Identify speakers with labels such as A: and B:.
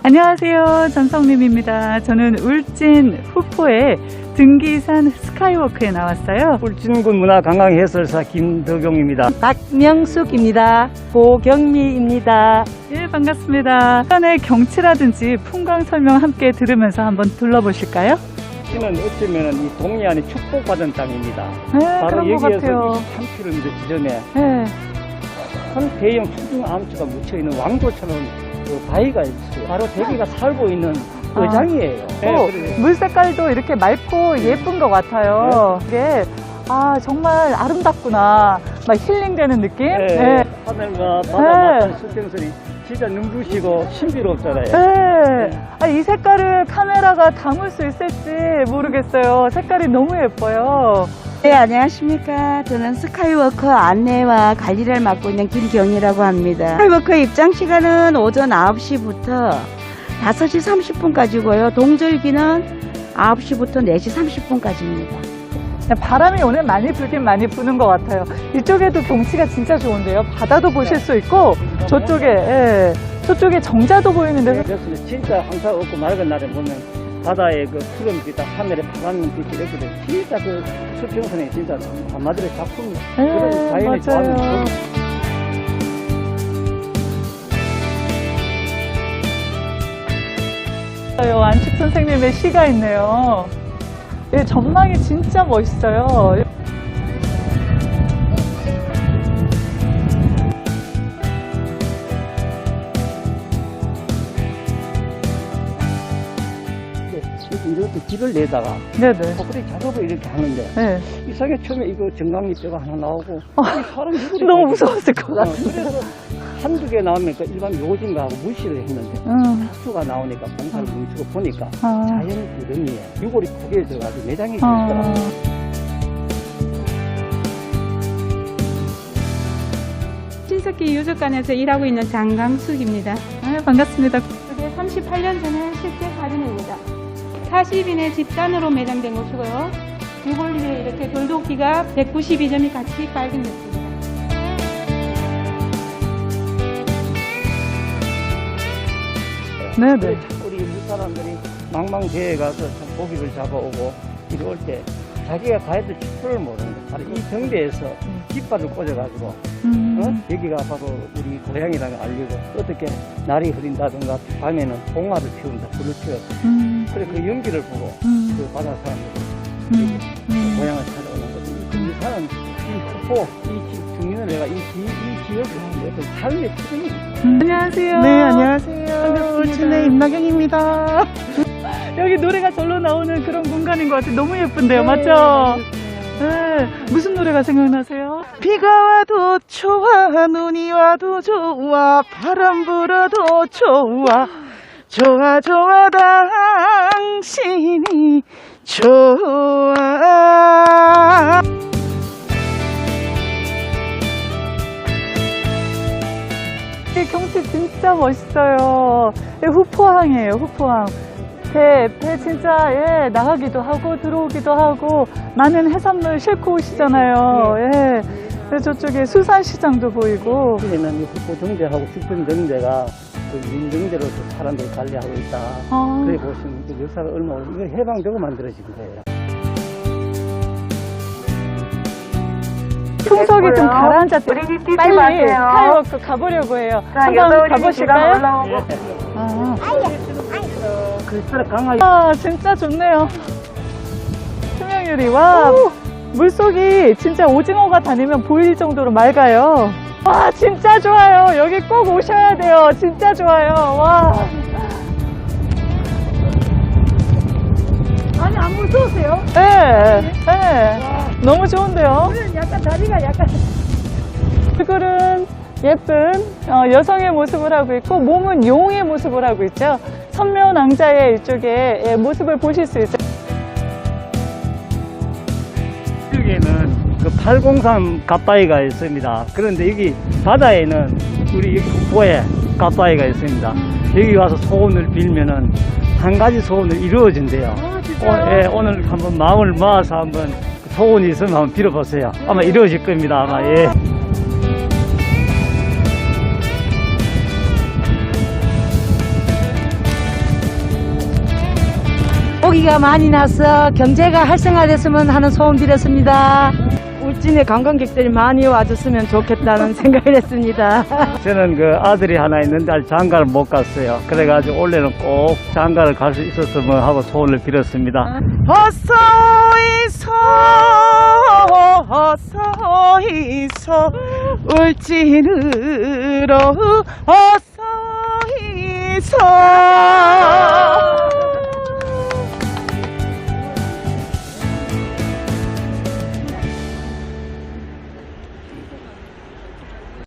A: 안녕하세요. 전성림입니다. 저는 울진 후포의 등기산 스카이워크에 나왔어요.
B: 울진군 문화관광해설사 김덕용입니다.
C: 박명숙입니다. 고경미입니다.
A: 예, 반갑습니다. 산의 경치라든지 풍광 설명 함께 들으면서 한번 둘러보실까요?
B: 울진은 어쩌면 이 동해안에 축복받은 땅입니다.
A: 네,
B: 바로
A: 그런 것 같아요.
B: 여기에서 23km 지점에
A: 네.
B: 큰 대형 수중 암초가 묻혀있는 왕조처럼 그 바위가 있어요. 바로 대기가 살고 있는 어장이에요.
A: 물 색깔도 이렇게 맑고 예쁜 것 같아요. 이게 정말 아름답구나. 막 힐링되는 느낌?
B: 네. 하늘과 바다 맞은 수평선이 진짜 눈부시고 신비롭잖아요.
A: 네. 이 색깔을 카메라가 담을 수 있을지 모르겠어요. 색깔이 너무 예뻐요.
C: 네, 안녕하십니까. 저는 스카이워커 안내와 관리를 맡고 있는 김경희라고 합니다. 스카이워커 입장 시간은 오전 9시부터 5시 30분까지고요. 동절기는 9시부터 4시 30분까지입니다.
A: 바람이 오늘 많이 불긴 많이 부는 것 같아요. 이쪽에도 경치가 진짜 좋은데요. 바다도 보실 수 있고 저쪽에 정자도 보이는데
B: 그래서 진짜 항상 없고 맑은 날에 보면 바다에 그 푸른빛, 하늘에 파란 빛이 이렇게 돼. 진짜 그 수평선에 진짜 한마디로 작품 그런 자연의 조합이
A: 안식 선생님의 시가 있네요. 전망이 진짜 멋있어요.
B: 이렇게 길을 내다가
A: 네네.
B: 코끼리 작업을 이렇게 하는데
A: 네.
B: 이상하게 처음에 이거 정강이뼈가 하나 나오고 이 사람이
A: 너무 무서웠을 것 같아요.
B: 그래서 한두 개 나오면 일반 요진가하고 무시를 했는데 수가 나오니까 공사를 멈추고 보니까 자연 구름이에요. 유골이 구겨져가지고 내장이 있더라고요.
D: 신석기 유적관에서 일하고 있는 장강숙입니다.
A: 반갑습니다.
D: 그게 38년 전에 실제 사진입니다. 40인의 집단으로 매장된 곳이고요. 유골리에 이렇게 돌도끼가 192점이 같이 발견됐습니다.
A: 네네.
B: 우리 무사람들이 망망대해 가서 참 고기를 잡아오고 이럴 때 자기가 가야 될 축소를 모르는데 바로 이 정대에서 깃발을 꽂아가지고 여기가 바로 우리 고향이라는 걸 알리고 어떻게 날이 흐린다든가 밤에는 봉화를 피운다 불을 피워서 그래 그 연기를 보고 그 바다 사람들이 고향을 찾아오는 거죠. 이 사람 이 후포 이 중년을 내가 이 지역의 삶의 특징입니다.
A: 안녕하세요.
C: 네, 안녕하세요.
A: 반갑습니다.
C: 울진의 임나경입니다.
A: 여기 노래가 절로 나오는 그런 공간인 것 같아요. 너무 예쁜데요. 맞죠? 네. 무슨 노래가 생각나세요?
C: 비가 와도 좋아, 눈이 와도 좋아, 바람 불어도 좋아, 좋아, 좋아, 당신이 좋아.
A: 이 경치 진짜 멋있어요. 후포항이에요, 후포항. 배 진짜 나가기도 하고 들어오기도 하고 많은 해산물 싣고 오시잖아요. 그래서 저쪽에 수산시장도 보이고.
B: 여기는 이 후포 정대하고 주변 정대가 그 민정대로서 사람들이 관리하고 있다. 그래 보시면 그 역사가 얼마나 이거 해방되고 만들어진 거예요.
A: 풍속이 좀 가라앉았대. 빨리 스카이워크 가보려고 해요. 한번 가보실까요?
B: 글쎄 강하게.
A: 진짜 좋네요. 투명유리. 와, 물속이 진짜 오징어가 다니면 보일 정도로 맑아요. 와, 진짜 좋아요. 여기 꼭 오셔야 돼요. 진짜 좋아요. 와.
C: 아니, 안 무서우세요?
A: 네. 너무 좋은데요.
C: 약간 다리가 약간.
A: 얼굴은 예쁜 여성의 모습을 하고 있고 몸은 용의 모습을 하고 있죠. 선묘낭자의 이쪽에 모습을 보실 수 있어요.
B: 여기에는 그 803 갓바위가 있습니다. 그런데 여기 바다에는 우리 여기 후포에 갓바위가 있습니다. 여기 와서 소원을 빌면은 한 가지 소원을 이루어진대요. 오늘 한번 마음을 모아서 한번 소원이 있으면 한번 빌어보세요. 아마 이루어질 겁니다. 아마
C: 고기가 많이 나서 경제가 활성화됐으면 하는 소원 드렸습니다.
E: 울진에 관광객들이 많이 와줬으면 좋겠다는 생각을 했습니다.
B: 저는 그 아들이 하나 있는데 아직 장가를 못 갔어요. 그래가지고 올해는 꼭 장가를 갈 수 있었으면 하고 소원을 빌었습니다.
C: 어서 이서 어서 이서 울진으로 어서 이서